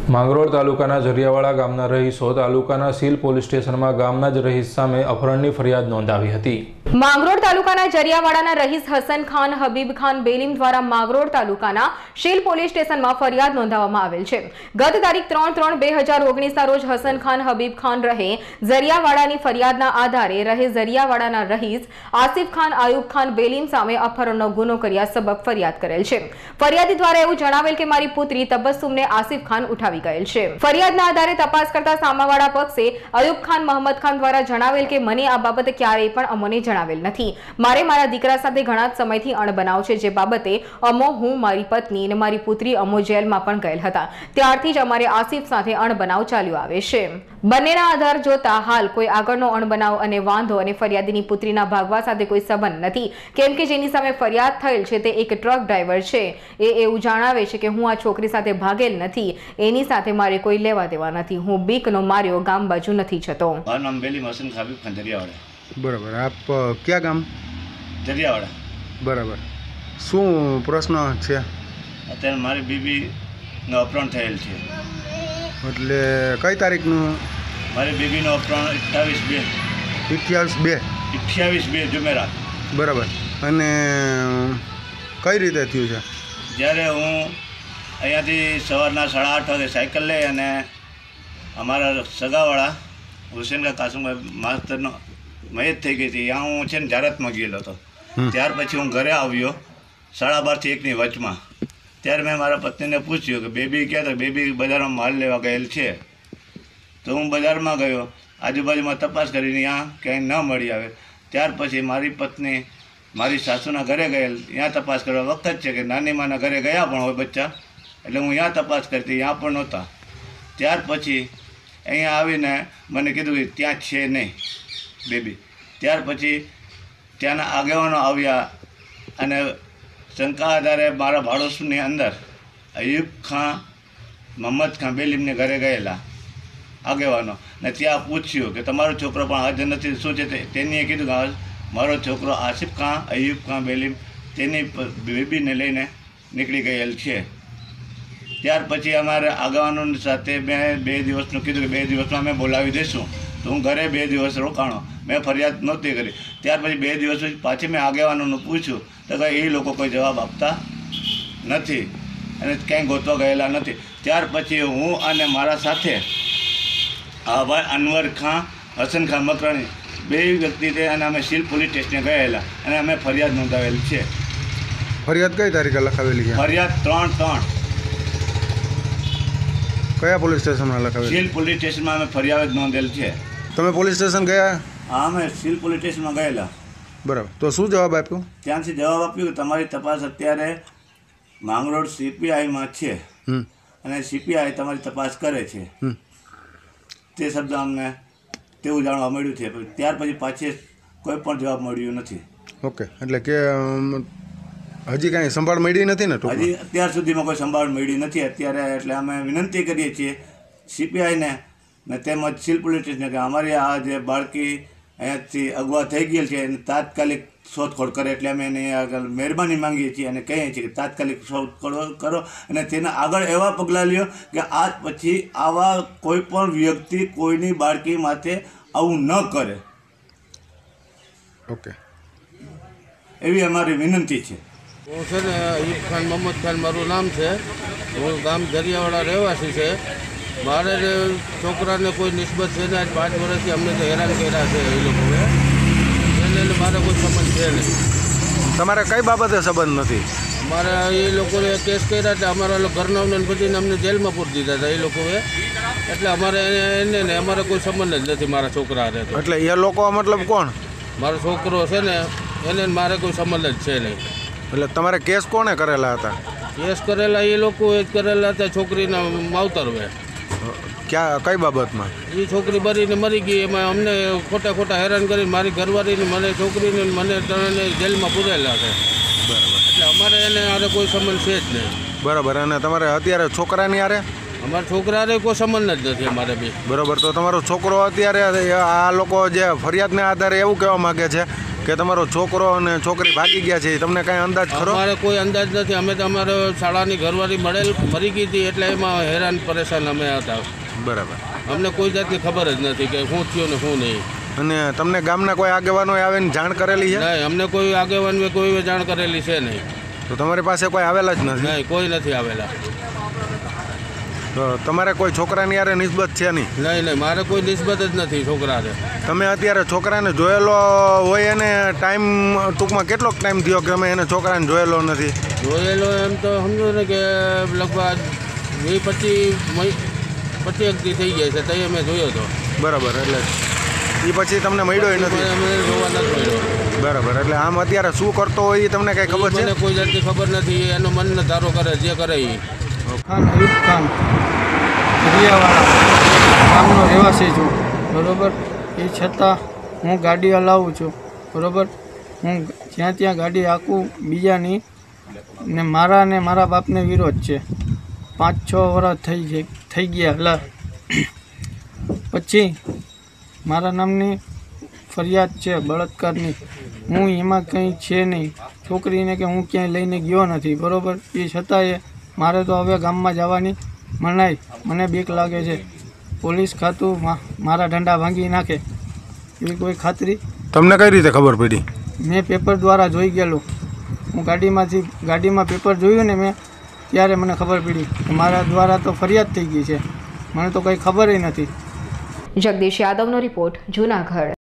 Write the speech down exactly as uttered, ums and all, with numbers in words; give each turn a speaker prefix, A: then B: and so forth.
A: માંગરોળ તાલુકાના જરિયાવાડા ગામના રહીશો તાલુકાના સીલ પોલીસ સ્ટેશનમાં ગામના જ રહીશ સામે અપહરણની ફરિયાદ નોંધાવી હતી।
B: માંગરોળ તાલુકાના જરિયાવાડાના રહીશ હસન ખાન હબીબ ખાન બેલીમ દ્વારા માંગરોળ તાલુકાના શીલ પોલીસ સ્ટેશનમાં ફરિયાદ નોંધાવવામાં આવેલ છે। ગત તારીખ ત્રણ ત્રણ બે હજાર ઓગણીસના રોજ હસન ખાન હબીબ ખાન રહે જરિયાવાડાની ફરિયાદના આધારે રહે જરિયાવાડાના રહીશ આસિફ ખાન આયુબ ખાન બેલીમ સામે અપહરણનો ગુનો કર્યા સબબ ફરિયાદ કરેલ છે। ફરિયાદી દ્વારા એવું જણાવેલ કે મારી પુત્રી તબસ્સુમને આસિફ ખાન ઉઠાવી ગયેલ છે। ફરિયાદના આધારે તપાસ કરતા સામાવાડા પક્ષે અયુબ ખાન મોહમ્મદ ખાન દ્વારા જણાવેલ કે મને આ બાબતે ક્યારેય પણ અમોને જણાવેલ નથી। મારે મારા દીકરા સાથે ઘણા સમયથી અણબનાવ છે, જે બાબતે અમો હું મારી પત્ની અને મારી પુત્રી અમો જેલમાં પણ ગયેલ હતા। ત્યારથી જ અમારે આસિફ સાથે અણબનાવ ચાલ્યો આવે છે। બંનેના આધાર જોતા હાલ કોઈ આગળનો અણબનાવ અને વાંધો અને ફરિયાદીની પુત્રીના ભાગવા સાથે કોઈ સંબંધ નથી, કેમ કે જેની સામે ફરિયાદ થયેલ છે તે એક ટ્રક ડ્રાઈવર છે। એ એવું જણાવે છે કે હું આ છોકરી સાથે ભાગેલ નથી, એની સાથે મારે કોઈ લેવા દેવા નથી। હું બીકનો માર્યો ગામ બાજુ નથી જતો।
C: મારું નામ બેલીમ હસન ખાબીબ ખાન જરિયાવાડા।
D: बराबर। आप क्या गाम?
C: जरियावाड़ा।
D: बराबर। શું પ્રશ્ન છે?
C: અત્યારે મારી બીબીનો અપહરણ થયેલ છે।
D: એટલે કઈ તારીખનું?
C: મારી બીબીનો અપહરણ અઠ્ઠાવીસ બે
D: અઠ્યાવીસ બે
C: અઠ્યાવીસ બે જુમેરાત।
D: બરાબર। અને કઈ રીતે થયું છે?
C: જ્યારે હું અહીંયાથી સવારના સાડા આઠ વાગે સાયકલ લઈ અને અમારા સગાવાળા હુસેન કાસુમભાઈ માસ્તરનો મયત થઈ ગઈ હતી, ત્યાં હું છે ને જારતમાં ગયેલો હતો। ત્યાર પછી હું ઘરે આવ્યો સાડા બારથી એકની વચમાં। ત્યારે મેં મારા પત્નીને પૂછ્યું કે બેબી ક્યાં તો બેબી બજારમાં માલ લેવા ગયેલ છે। તો હું બજારમાં ગયો, આજુબાજુમાં તપાસ કરીને ત્યાં ક્યાંય ન મળી આવે। ત્યાર પછી મારી પત્ની મારી સાસુના ઘરે ગયેલ, ત્યાં તપાસ કરવા વખત છે કે નાની માના ઘરે ગયા પણ હોય બચ્ચા, એટલે હું ત્યાં તપાસ કરતી, ત્યાં પણ નહોતા। ત્યાર પછી અહીંયા આવીને મને કીધું કે ત્યાં છે નહીં બેબી। ત્યાર પછી ત્યાંના આગેવાનો આવ્યા અને શંકા આધારે મારા ભાડોશની અંદર અયુબ ખાન મોહમ્મદ ખાન બેલીમને ઘરે ગયેલા આગેવાનો ને ત્યાં પૂછ્યું કે તમારો છોકરો પણ હાજર નથી, શું છે તે? તેનીએ કીધું કે મારો છોકરો આસિફ ખાન અયુબ ખાન બેલીમ તેની બેબીને લઈને નીકળી ગયેલ છે। ત્યાર પછી અમારે આગેવાનોની સાથે મેં બે દિવસનું કીધું કે બે દિવસમાં અમે બોલાવી દઈશું। તો હું ઘરે બે દિવસ રોકાણો, મેં ફરિયાદ નહોતી કરી। ત્યાર પછી બે દિવસ પછી પાછી મેં આગેવાનોનું પૂછ્યું તો કંઈ એ લોકો કોઈ જવાબ આપતા નથી અને ક્યાંય ગોતવા ગયેલા નથી। ત્યાર પછી હું અને મારા સાથે આ ભાઈ અનવર ખાન હસન ખાન મકરાણી બે વ્યક્તિ છે અને અમે સીલ પોલીસ સ્ટેશને ગયેલા અને અમે ફરિયાદ નોંધાવેલ છે।
D: ફરિયાદ કઈ તારીખે લખાવેલી છે?
C: ફરિયાદ ત્રણ ત્રણ
D: કયા પોલીસ સ્ટેશનમાં લખાવેલી?
C: સીલ પોલીસ સ્ટેશનમાં અમે ફરિયાદ નોંધેલ છે।
D: તમે પોલીસ સ્ટેશન ગયા?
C: હા, અમે સીલ પોલીસ સ્ટેશનમાં ગયેલા।
D: બરાબર। તો શું જવાબ આપ્યો?
C: ત્યાંથી જવાબ આપ્યો કે તમારી તપાસ અત્યારે માંગરોળ સીપીઆઈમાં છે અને સીપીઆઈ તમારી તપાસ કરે છે, તે શબ્દ અમને તેવું જાણવા મળ્યું છે। ત્યાર પછી પાછી કોઈ પણ જવાબ મળ્યો નથી।
D: ઓકે, એટલે કે હજી કાંઈ સંભાળ મળી નથી ને?
C: હજી અત્યાર સુધીમાં કોઈ સંભાળ મળી નથી અત્યારે। એટલે અમે વિનંતી કરીએ છીએ સીપીઆઈને ને તેમજ સીલ પોલીસ સ્ટેશને કે અમારી આ જે બાળકી અહીંયાથી અગવા થઈ ગયેલ છે એને તાત્કાલિક શોધખોળ કરે, એટલે અમે એની આગળ મહેરબાની માંગીએ છીએ અને કહીએ છીએ કે તાત્કાલિક શોધખોળ કરો અને તેના આગળ એવા પગલાં લ્યો કે આજ પછી આવા કોઈ પણ વ્યક્તિ કોઈની બાળકી માથે આવું ન કરે।
D: ઓકે,
C: એવી અમારી વિનંતી છે।
E: હું છે ને અયુબ ખાન મોહમ્મદ ખાન મારું નામ છે। હું ગામ જરિયાવાડા રહેવાસી છે। મારે છોકરાને કોઈ નિસ્બત છે ને આજ પાંચ વર્ષથી અમને તો હેરાન કર્યા છે એ લોકોએ, એટલે મારે કોઈ સંબંધ છે નહીં।
D: તમારે કઈ બાબતે સંબંધ નથી?
E: અમારે એ લોકોએ કેસ કર્યા હતા, અમારા ઘરનાઓને બધાને અમને જેલમાં પૂરી દીધા હતા એ લોકોએ, એટલે અમારે એને ને અમારે કોઈ સંબંધ જ નથી મારા છોકરા હારે।
D: એટલે એ લોકો મતલબ કોણ?
E: મારો છોકરો છે ને એને મારે કોઈ સંબંધ જ છે નહીં।
D: એટલે તમારે કેસ કોણે કરેલા હતા?
E: કેસ કરેલા એ લોકોએ જ કરેલા હતા છોકરીના માવતરવે।
D: ક્યાં કઈ બાબતમાં?
E: એ છોકરી બરીને મરી ગઈ, એમાં અમને ખોટા ખોટા હેરાન કરીને મારી ઘરવાળીને મને છોકરીને મને ત્રણેને જેલમાં પૂરેલા છે।
D: બરાબર।
E: એટલે અમારે એને હારે કોઈ સંબંધ છે જ નહીં।
D: બરાબર। અને તમારે અત્યારે છોકરાની હારે?
E: અમારા છોકરા હારે કોઈ સંબંધ જ નથી અમારે બી।
D: બરાબર। તો તમારો છોકરો અત્યારે આ લોકો જે ફરિયાદના આધારે એવું કહેવા માગે છે કે તમારો છોકરો અને છોકરી ભાગી ગયા છે તમને કાંઈ અંદાજ ખરો?
E: અમારે કોઈ અંદાજ નથી. અમે તો અમારે શાળાની ઘરવાળી મળેલ મરી ગઈ હતી એટલે એમાં હેરાન પરેશાન અમે હતા.
D: બરાબર.
E: અમને કોઈ જાતની ખબર જ નથી કે શું થયું ને શું નહીં.
D: અને તમને ગામના કોઈ આગેવાનો આવીને જાણ કરેલી છે?
E: નહીં, અમને કોઈ આગેવાન કોઈ જાણ કરેલી છે નહીં.
D: તો તમારી પાસે કોઈ આવેલા જ નથી?
E: નહીં, કોઈ નથી આવેલા.
D: તો તમારે કોઈ છોકરાની યારે નિસ્બત છે નહીં?
E: નહીં નહીં, મારે કોઈ નિસ્બત જ નથી છોકરાને.
D: તમે અત્યારે છોકરાને જોયેલો હોય એને ટાઈમ ટૂંકમાં કેટલોક ટાઈમ થયો કે અમે એને છોકરાને જોયેલો નથી?
E: જોયેલો એમ તો સમજો ને કે લગભગ વીસ પચીસ પચીસ દી થઈ ગયા છે તો અમે જોયો હતો.
D: બરાબર. એટલે એ પછી તમને મળ્યો નથી?
E: અમે જોવા નથી મળ્યો.
D: બરાબર. એટલે આમ અત્યારે શું કરતો હોય એ તમને કઈ ખબર છે?
E: મને કોઈ જાતની ખબર નથી. એનો મનને ધારો કરે જે કરે એ.
F: ખાન અયુબ ખાન દરિયાવાળા ગામનો રહેવાસી છું, બરાબર. એ છતાં હું ગાડી હલાવું છું, બરાબર. હું જ્યાં ત્યાં ગાડી હાંકું બીજાની, ને મારા ને મારા બાપને વિરોધ છે. પાંચ છ વર્ષ થઈ છે થઈ ગયા હલા પછી મારા નામની ફરિયાદ છે બળાત્કારની. હું એમાં કંઈ છે નહીં. છોકરીને કે હું ક્યાંય લઈને ગયો નથી, બરાબર. એ છતાંય મારે તો હવે ગામમાં જવાની મનાઈ. મને બીક લાગે છે પોલીસ ખાતું મારા ઢંડા ભાંગી નાખે એવી કોઈ ખાતરી?
D: તમને કઈ રીતે ખબર પડી?
F: મેં પેપર દ્વારા જોઈ ગયેલું. હું ગાડીમાંથી ગાડીમાં પેપર જોયું ને મેં, ત્યારે મને ખબર પડી કે મારા દ્વારા તો ફરિયાદ થઈ ગઈ છે. મને તો કંઈ ખબર નથી.
B: જગદીશ યાદવનો રિપોર્ટ, જૂનાગઢ.